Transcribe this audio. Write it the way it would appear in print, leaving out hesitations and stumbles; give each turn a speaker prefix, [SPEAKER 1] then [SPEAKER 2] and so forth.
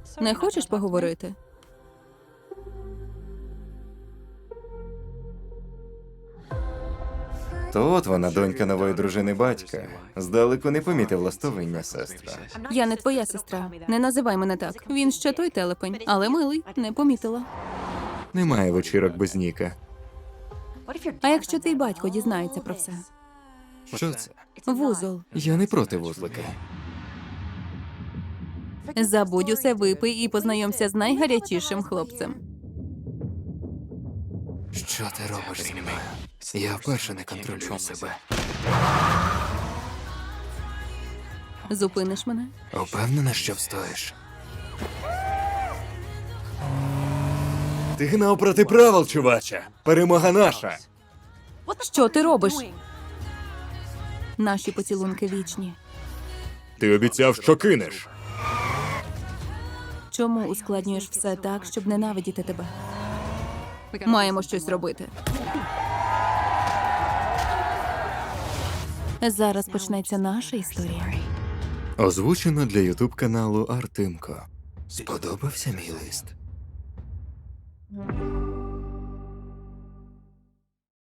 [SPEAKER 1] Не хочеш поговорити?
[SPEAKER 2] То от вона, донька нової дружини батька. Здалеку не помітив ластовиння, сестра.
[SPEAKER 1] Я не твоя сестра. Не називай мене так. Він ще той телепень, але милий, не помітила.
[SPEAKER 2] Немає вечірок без Ніка.
[SPEAKER 1] А якщо твій батько дізнається про все?
[SPEAKER 2] Що це?
[SPEAKER 1] Вузол.
[SPEAKER 2] Я не проти вузлика.
[SPEAKER 1] Забудь усе, випий і познайомся з найгарячішим хлопцем.
[SPEAKER 2] Що ти робиш зі мною? Я вперше не контролюю себе.
[SPEAKER 1] Зупиниш мене?
[SPEAKER 2] Упевнена, що встоїш? Ти гнав проти правил, чуваче. Перемога наша.
[SPEAKER 1] Що ти робиш? Наші поцілунки вічні.
[SPEAKER 2] Ти обіцяв, що кинеш.
[SPEAKER 1] Чому ускладнюєш все так, щоб ненавидіти тебе? Маємо щось робити. Зараз почнеться наша історія.
[SPEAKER 2] Озвучено для ютуб-каналу Артемко. Сподобався мій лист?